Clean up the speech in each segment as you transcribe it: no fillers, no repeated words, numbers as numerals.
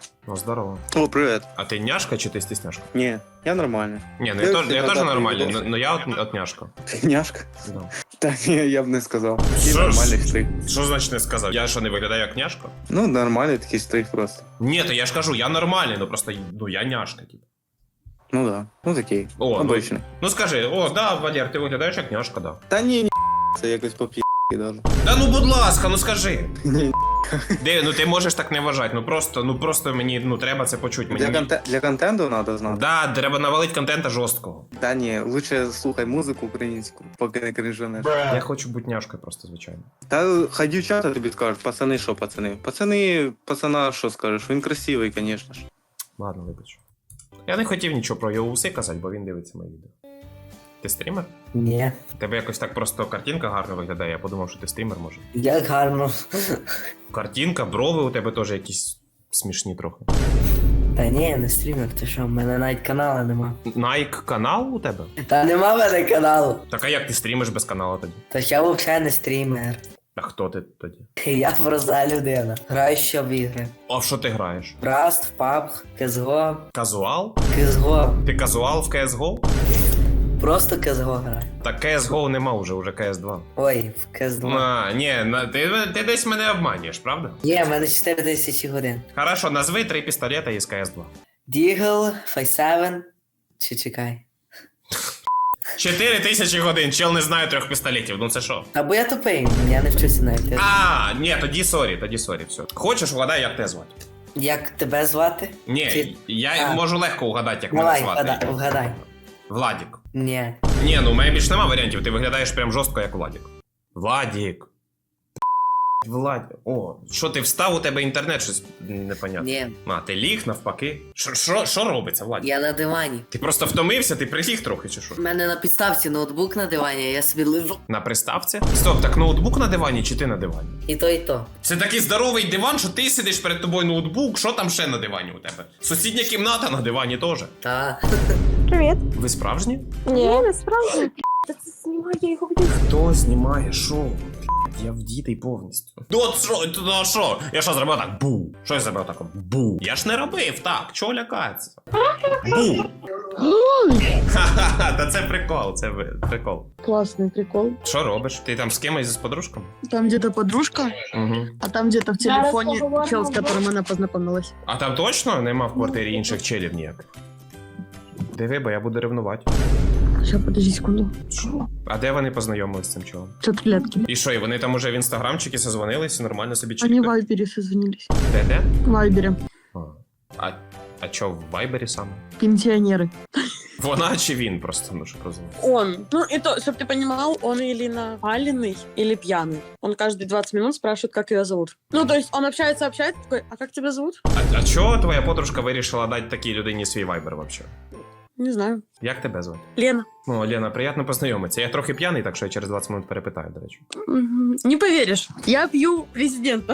Ну, здорово. О, привет. А ты няшка чи ты стесняшка? Не, я нормальный. Не, ну Я я тоже всегда нормальный, так но я от няшка. Ты няшка? Да. Та ні, я б не сказав. Ти Що ж? нормальний стрих. Що значить не сказав? Я що, не виглядаю як няшка? Ну, нормальний такий стрих просто. Ні, то я ж кажу, я нормальний, ну просто, ну я няшка, типу. Ну да, ну такий. О, Обичний. Ну скажи, о, да, Валер, ти виглядаєш як няшка, да. Та ні, це якось поп'є даже. Та ну будь ласка, ну скажи. Ні, Де, ну ти можеш так не вважати, ну просто мені, ну треба це почути. Мені... для контенту треба знати. Да, треба навалити контента жорсткого. Та ні, лучше слухай музику українську, поки не кринжанеш. Я хочу бути няшкою просто, звичайно. Та хай дівчата тобі скажуть, пацани, що пацани? Пацана, що скажеш? Він красивий, звісно ж. Ладно, вибач. Я не хотів нічого про його уси казати, бо він дивиться мої відео. Ти стрімер? Ні. У тебе якось так просто картинка гарно виглядає, я подумав, що ти стрімер може. Як гарно. Картинка, брови у тебе теж якісь смішні трохи. Та ні, я не стрімер, ти що, в мене навіть каналу нема. Nike канал у тебе? Та нема в мене каналу. Так а як ти стрімиш без каналу тоді? Та я взагалі не стрімер. А хто ти тоді? Я проста людина. Граю що в ігри. А в що ти граєш? Rust, PUBG, CSGO. Казуал? CSGO. Ти казуал в CSGO? Просто CSGO граю. Так CSGO нема уже CS2. Ой, в CS2. А, ні, ти десь мене обманюєш, правда? Є, в мене 4000 годин. Хорошо, назви 3 пістолета із CS2. Deagle, Five7. Чи чекай. 4000 годин, чел не знає 3 пістолетів, ну це що? Або я тупий, я не вчуся навіть. А, ні, тоді сорі, все. Хочеш, угадай, як тебе звати? Як тебе звати? Ні, Чи- я А. можу легко угадати, як мене Давай, звати. вгадай. Владік. Ні. Ні, ну у мене більш нема варіантів, ти виглядаєш прям жорстко, як Владік. Владік. Владік. О, що ти встав, у тебе інтернет щось непонятне. Ні. А, ти ліг навпаки. Що робиться, Владік? Я на дивані. Ти просто втомився, ти приліг трохи чи що? У мене на підставці ноутбук на дивані, я собі лежу. На приставці? Стоп, так ноутбук на дивані чи ти на дивані? І то, і то. Це такий здоровий диван, що ти сидиш перед тобою ноутбук, що там ще на дивані у тебе? Сусідня кімната на дивані теж. Та. Привіт. Ви справжні? Ні, не справді. Та це знімає, я його буду. Хто знімає шоу? Я вдітий повністю. Ну от що? Я що зробив так? Бу. Що я зробив так? Бу. Я ж не робив так, чого лякатися? Бу. Ха-ха-ха, та це прикол, прикол. Классный прикол. Що робиш? Ти там з кимось з подружками? Там где-то подружка, Угу. а там где-то в телефоне чел, с которым она познакомилась. А там точно нема в квартирі інших челів ніяких? Диви, бо я буду ревнувати. Сейчас, подожди секунду. А де вони познайомились з цим чолом? Что-то клетки. І що, і вони там уже в інстаграмчики созвонились і нормально собі Они в чекають? Вайбере созвонились. Де? В Вайбере. А чо в Вайбері саме? Пенсионеры. Вона чи він просто, ну щоб розуміти? Он. Ну, и то, чтобы ты понимал, он или наваленный, или пьяный. Он каждые 20 минут спрашивает, как ее зовут. Ну, то есть он общается, такой, а как тебя зовут? А чого твоя подружка вирішила дати такій людині свій вайбер вообще? Не знаю. Як тебе звати? Лена. Ну, Лена, приємно познайомитися. Я трохи п'яний, так що я через 20 минут перепитаю, до речі. Не поверишь, я пью президента.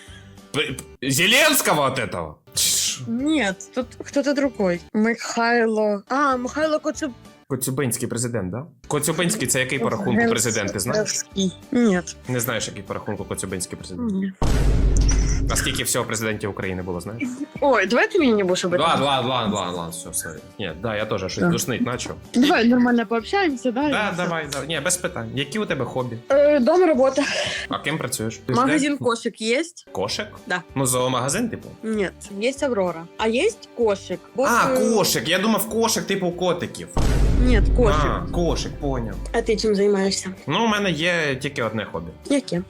Зеленського от этого? Нет, тут кто-то другой. Михайло. А, Михайло Коцюб. Коцюбинський президент, да? Коцюбинський це який по рахунку президент, ти знаєш? Нет. Не знаєш, який по рахунку Коцюбинський президент? Нет. А скільки всього президентів України було, знаєш? Ой, давай ты меня не будешь об этом. Ладно, все. Ні, да, я теж щось душнить начав. Давай нормально пообщаемся, да? Да, давай. Ні, без питань. Які у тебе хобі? Дом, работа. А ким працюєш? Магазин кошек есть? Кошек? Да. Ну, зоомагазин, типу? Нет, есть Аврора. А есть кошек? Вот, А, кошик. Я думав, кошик типу котиків. Нет, кошек. А, кошик, поняв. А ты чем занимаешься? Ну, у мене є тільки одне хобі. Яке?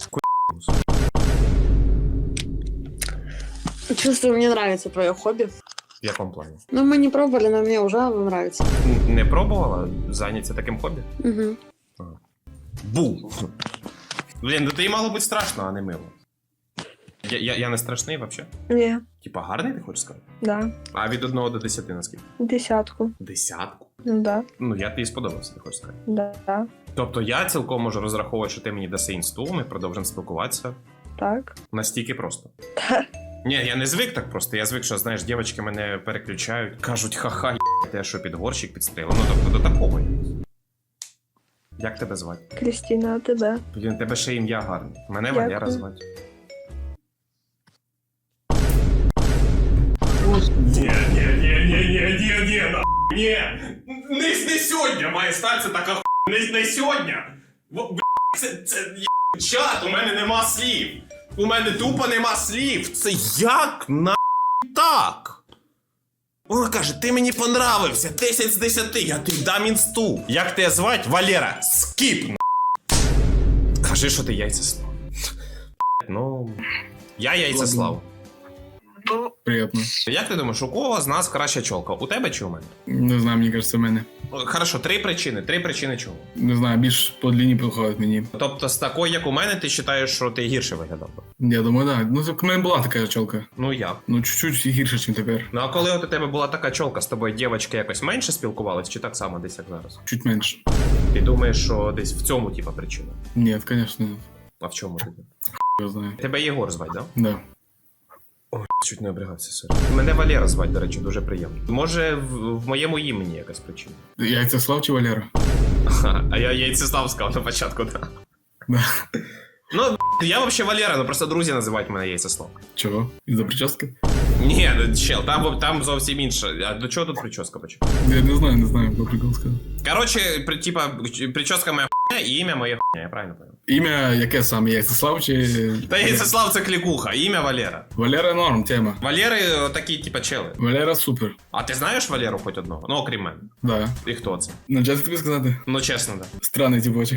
Чувствую, мне нравится твое хобби. В якому плані? Ну, мы не пробовали, но мне уже нравится. Не пробувала зайнятися таким хобі? Угу. Бу! Блін, ну тобі мало бути страшно, а не мило. Я не страшний взагалі? Ні, Типа гарний, ти хочеш сказати? да. А від 1 до 10 наскільки? 10. Десятку? Ну да, Ну, я тобі сподобався, ти хочеш сказати. да. Тобто я цілком можу розраховувати, що ти мені даси інсту, ми продовжимо спілкуватися. Так. Настільки просто. Ні, я не звик так просто. Я звик, що, знаєш, дівчатки мене переключають, кажуть, ха-ха, я що під горщик підстрілив. Ну, тобто до такого. Як тебе звати? Крістіна, а тебе? Блін, тебе ще ім'я гарне. Мене Дякую. Валера звати. Ні, ні. Не сьогодні має статися така хуйня. Не сьогодні. Чат, у мене нема слів. У мене тупо нема слів. Це як на так? Вона каже, ти мені понравився, 10 з 10, я тобі дам інсту. Як тебе звать? Валера, скіп, на. Кажи, що ти яйцеслав. Ну, я яйцеслав. Приятно. Як ти думаєш, у кого з нас краща чолка? У тебе чи у мене? Не знаю, мені кажется, в мене. Хорошо, три причини чого. Не знаю, більш по длині підходить мені. Тобто з такою, як у мене, ти вважаєш, що ти гірше виглядав? Я думаю, так. Ну, так у мене була така чолка. Ну як? Ну, чуть-чуть гірше, ніж тепер. Ну а коли от у тебе була така чолка, з тобою дівчатки якось менше спілкувались, чи так само десь як зараз? Чуть менше. Ти думаєш, що десь в цьому типа причина? Ні, звісно, А в чому тоді? я знаю. Тебе Єгор звать, да? Да. Ой, чуть не обрігався, сорі. Мене Валера звать, до речі, дуже приємно. Може, в моєму імені якась причина. Яйцеслав чи Валера? Ага, а я яйцеслав сказав на початку, так. Да. Ну, я вообще Валера, ну просто друзі називають мене яйцеслав. Чого? Із-за прически? Ні, чел, там зовсім інше. А до чого тут прическа почала? Я не знаю, по прикол сказав. Короче, типа, прическа моя хуйня і ім'я моє хуйня, я правильно понял? Ім'я яке саме? Яйцеслав чи... Та яйцеслав це клікуха, ім'я Валера. Валера норм, тема. Валери такі, типа, чели. Валера супер. А ти знаєш Валеру хоч одного? Ну, окрім мене. Да. І хто це? Ну, чесно тобі сказати. Ну, чесно, да. Странний типочок.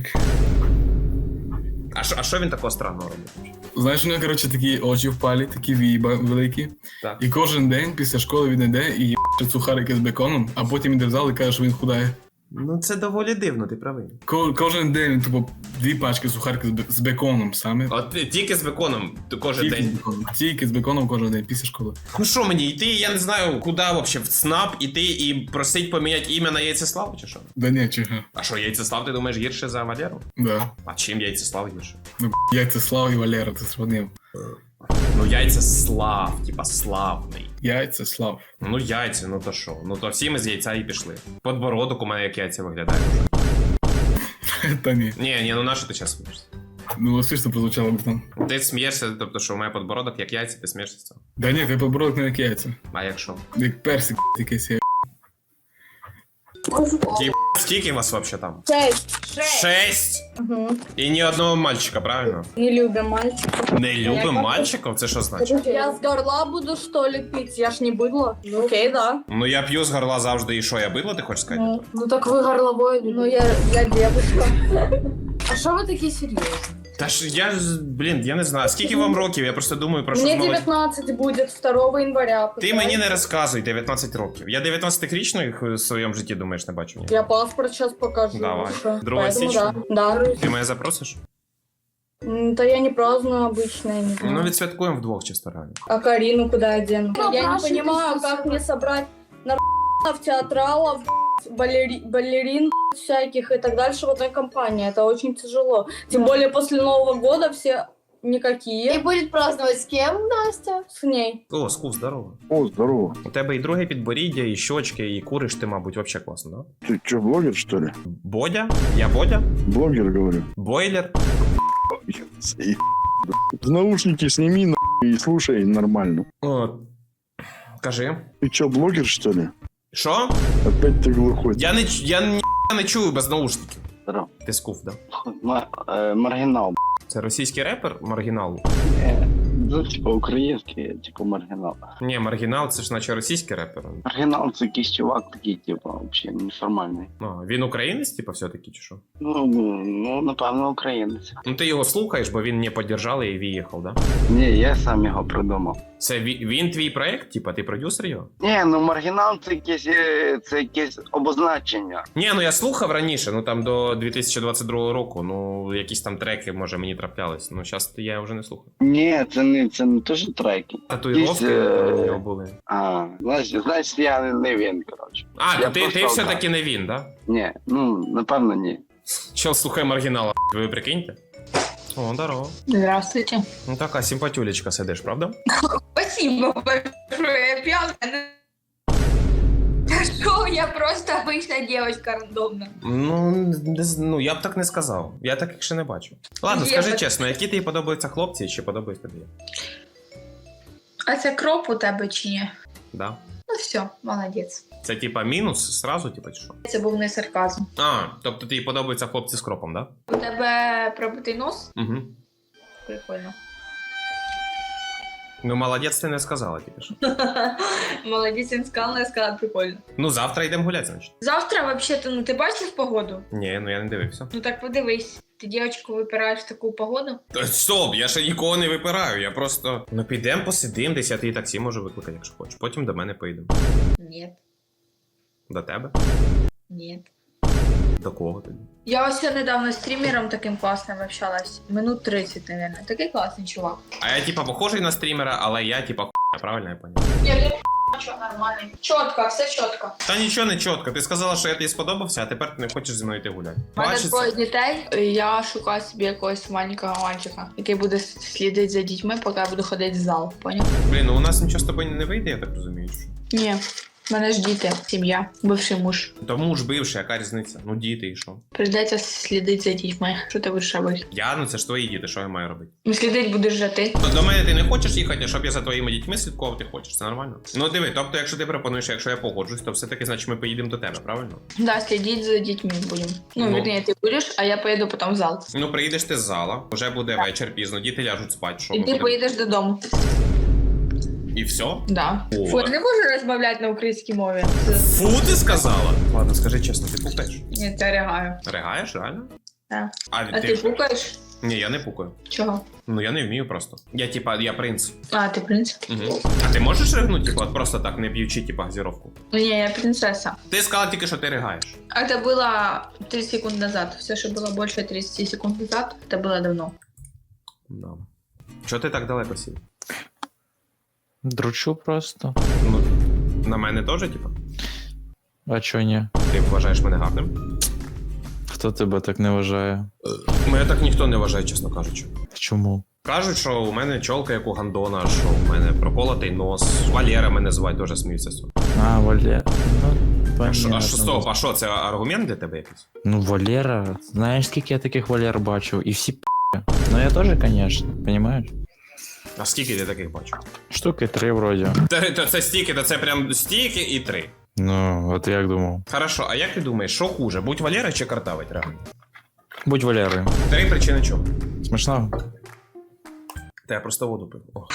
А що він такого странного робить? Знаєш, у нього, коротше, такі очі впалі, такі віїба великі. Так. І кожен день після школи він йде і їбать сухарики з беконом, а потім йде в зал і каже, що він худає. Ну, це доволі дивно, ти правий. Кожен день він, тупо, 2 пачки сухариків з беконом саме. От тільки з беконом кожен Тільки з день. беконом. Тільки з беконом кожен день після школи. Ну що мені, йти, я не знаю, куди вообще, в СНАП іти і просить поміняти ім'я на Яйцеславу, чи що? Да ні, чого. А що, Яйцеслав, ти думаєш, гірше за Валеру? Да. А чим Яйцеслав гірше? Ну, Яйцеслав і Валера, ти сравнив. Ну, Яйцеслав, типа славний. Яйцеслав. Ну, яйця, ну то що? Ну то всі ми з яйця і пішли. Подбородок у мене як яйця виглядає. Та ні. Ні, ну на що ти зараз смієшся? Ну, смішно прозвучало б там. Ти смієшся, тобто, що у мене подбородок як яйця, ти смієшся з цього? Да ні, ти поборок не як яйця. А якщо? Як персик якийсь є. Скільки вас вообще там? 6. 6? Угу. І ні одного мальчика, правильно? Не любим мальчиков. Не любим мальчиків? Це що значить? Я с горла буду, что ли, пить? Я ж не быдло. Окей, да. Ну я п'ю з горла завжди, і що, я бидло, ти хочеш сказати? Ну так вы горловой. Ну я девушка. А что вы такие серьезные? Та ж я ж, блін, я не знаю, скільки вам років, я просто думаю про що Мне знову. 19 будет 2 января. Ти мені не розказуй, 19 років. Я 19-річних в своєму житті, думаєш, не бачу ні. Я паспорт сейчас покажу. Давай. Что? 2 Поэтому січня? Да. Ти мене запросиш? Да я не праздную обычно, я не знаю. Ну відсвяткуємо вдвох чисто реально. А Карину куда одену? Ну, Я не Паша, понимаю, ты как мне собрать театралов, балерин всяких и так дальше в одной компании. Это очень тяжело. Тем более после Нового года все никакие. И будет праздновать с кем, Настя? С ней. О, Скуф, здорово. О, здорово. У тебе і друге підборіддя, і щочки, і куриш ти, мабуть, вообще класно, да? Ты что, блогер, что ли? Бодя? Я Бодя? Блогер, говорю. Бойлер? В наушники сними и слушай нормально. О, кажи. Ты что, блогер, что ли? Що? Опять ты глухой. Я не чую без наушників. Здорово. Ти Скуф, да? Маргінал. Це російський репер Маргінал? Ну, типу, український, типу, маргінал. Ні, Маргінал це ж наче російський репер. Маргінал це якийсь чувак такий, типу, взагалі неформальний. А, він українець, типа, все-таки, чи що? Ну, напевно, українець. Ну ти його слухаєш, бо він не піддержали і виїхав, да? Ні, я сам його придумав. Це він твій проект, типа, ти продюсер його? Ні, ну маргінал це якесь обозначення. Ні, ну я слухав раніше, ну там до 2022 року, ну якісь там треки, може, мені траплялись, ну зараз я вже не слухаю. Ні, це не те, що треки. Татуїровки Якісь, у нього були. Значить, я не він, коротше. А, Я ти просто все-таки не він, да? Ні, ну, напевно, ні. Чел, слухай Маргінала, ви прикиньте? О, здорово. Здравствуйте. Ну така симпатюлечка сидиш, правда? Спасибо большое, я пьяная. Да что, я просто обычная девочка рандомно. Ну, я б так не сказав. Я таких ще не бачу. Ладно, Є скажи так. чесно, які тобі подобаються хлопці, чи подобаються тобі? А це кроп у тебе чи ні? Да. Ну все, молодець. Це типа мінус сразу, типа чи що? Це був не сарказм. А, тобто тобі подобаються хлопці з кропом, да? У тебе пробитий нос? Угу. Прикольно. Ну, молодець, ти не сказала тільки що. Молодець, він сказав, я сказала прикольно. Ну, завтра йдемо гуляти, значить. Завтра, взагалі-то, ну ти бачив погоду? Ні, ну я не дивився. Ну так подивись. Ти дівчинку випираєш в таку погоду? Стоп, я ще нікого не випираю, я просто. Ну підемо, посидим, десь я тобі таксі можу викликати, якщо хочеш. Потім до мене поїдемо. Ні. До тебе? Ні. До кого тоді? Я ось недавно з стрімером таким класним общалась. Минут 30, мабуть. Такий класний чувак. А я типа похожий на стрімера, але я типа хуйня, правильно я поняв? Що, нормальний. Чітко, все чітко. Та нічого не чітко. Ти сказала, що я тобі сподобався, а тепер ти не хочеш зі мною йти гуляти. У мене Бачиться? двоє дітей, і я шукаю собі якогось маленького мальчика, який буде слідити за дітьми, поки я буду ходити в зал. Поняв? Блін, ну у нас нічого з тобою не вийде, я так розумію. Що? Ні. В мене ж діти, сім'я, бивший муж. Тому ж бивший, яка різниця? Ну діти і що? Прийдеться слідити за дітьми. Що ти будеш робити? Я, ну це ж твої діти, що я маю робити? Ну, слідити будеш же ти. До мене ти не хочеш їхати, а щоб я за твоїми дітьми слідкував, ти хочеш, це нормально? Ну диви, тобто, якщо ти пропонуєш, якщо я погоджусь, то все-таки, значить, ми поїдемо до тебе, правильно? Да, слідіть за дітьми будемо. Ну, Ну. вірні, ти будеш, а я поїду потім в зал. Ну, приїдеш ти з зала, вже буде вечір пізно, діти ляжуть спати, що І ми ти будемо? поїдеш додому. І все? Да. О. Фу, я не можу розмовляти на українській мові. Фу, ти сказала? Ладно, скажи чесно, ти пукаєш? Ні, це ригаю. Регаєш, реально? Так. А А ти пукаєш? Ні, я не пукаю. Чого? Ну, я не вмію просто. Я, типа, я принц. А, ти принц? Угу. А ти можеш ригнути, типа, от просто так, не п'ючи, типа, газіровку? Ну, ні, я принцеса. Ти сказала тільки, що ти ригаєш. Это было 30 секунд назад. Все, что было больше 30 секунд назад, это было давно. Да. Чого ти так далеко сів? Дручу просто. Ну, на мене теж, типа? А чо ні? Ти вважаєш мене гарним? Хто тебе так не вважає? Мене так ніхто не вважає, чесно кажучи. Чому? Кажуть, що у мене чолка, як у гандона, що у мене проколотий нос. Валера мене звать, дуже сміються з цього. А, Валера. Ну, А що, стоп, а що, це аргумент для тебе якийсь? Ну, Валера. Знаєш, скільки я таких Валер бачив? І всі Ну, я теж, конечно, понимаешь? А скільки ти таких бачив? Штуки 3 вроді. Це стільки, то це прям стільки і 3. Ну, от як думав. Хорошо, а як ти думаєш, що хуже, будь Валера чи картавить реально? Будь Валерою. 3 причини чому? Смішного? Та я просто воду пив. О.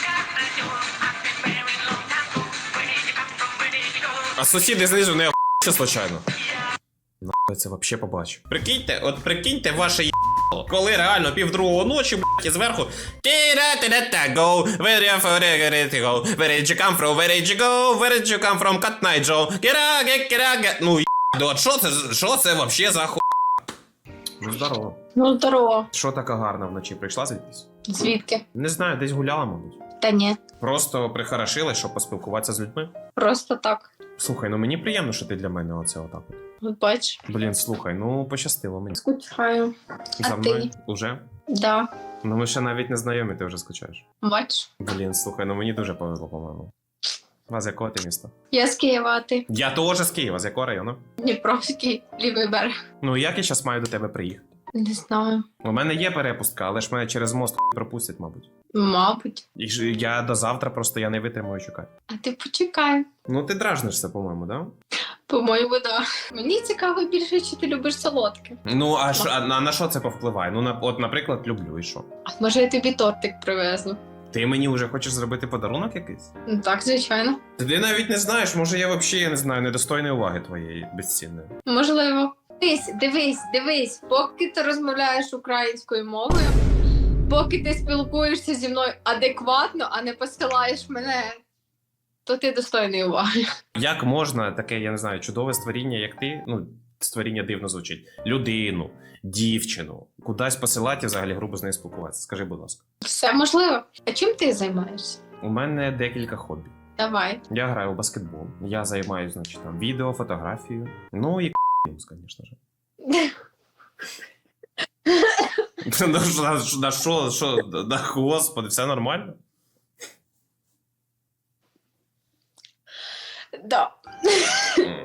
А сусіди знизу не охуєте случайно? Нахуй це вообще побачу. Прикиньте ваше єбало, коли реально 1:30 ночі, блядь, і зверху go, where did you come from, where did you go, where did you come from, Cut Night Joe, ну єбало, що це вообще за ху... Ну здорово. Ну, здорово. Що така гарна вночі, прийшла звідкись? Звідки? Не знаю, десь гуляла, мабуть. Та ні. Просто прихорошилась, щоб поспілкуватися з людьми. Просто так. Слухай, ну мені приємно, що ти для мене оце отак от. От бач. Блін, слухай, ну пощастило мені. Скучаю. За А мною? ти? Уже? Да. Ну ми ще навіть не знайомі, ти вже скучаєш. Бач. Блін, слухай, ну мені дуже повезло, по-моєму. А з якого ти міста? Я з Києва, а ти? Я теж з Києва, з якого району? Дніпровський, лівий берег. Ну як я зараз маю до тебе приїхати? Не знаю. У мене є перепустка, але ж мене через мост пропустять, мабуть. Мабуть. І ж я до завтра просто я не витримую чекати. А ти почекай. Ну ти дражнишся, по-моєму, да? По-моєму, да. Мені цікаво більше, чи ти любиш солодке. Ну, а на що це повпливає? Ну, от, наприклад, люблю, і що? А може я тобі тортик привезу? Ти мені вже хочеш зробити подарунок якийсь? Ну так, звичайно. Ти навіть не знаєш, може я взагалі, я не знаю, недостойної уваги твоєї безцінної. Можливо. Дивись, поки ти розмовляєш українською мовою, поки ти спілкуєшся зі мною адекватно, а не посилаєш мене, то ти достойний уваги. Як можна таке, я не знаю, чудове створіння, як ти, ну, створіння дивно звучить, людину, дівчину, кудись посилати і взагалі грубо з нею спілкуватися? Скажи, будь ласка. Все можливо. А чим ти займаєшся? У мене декілька хобі. Давай. Я граю в баскетбол, я займаюся, значить, там, відео, фотографією, ну і звісно ж. На що, господи, все нормально? Да.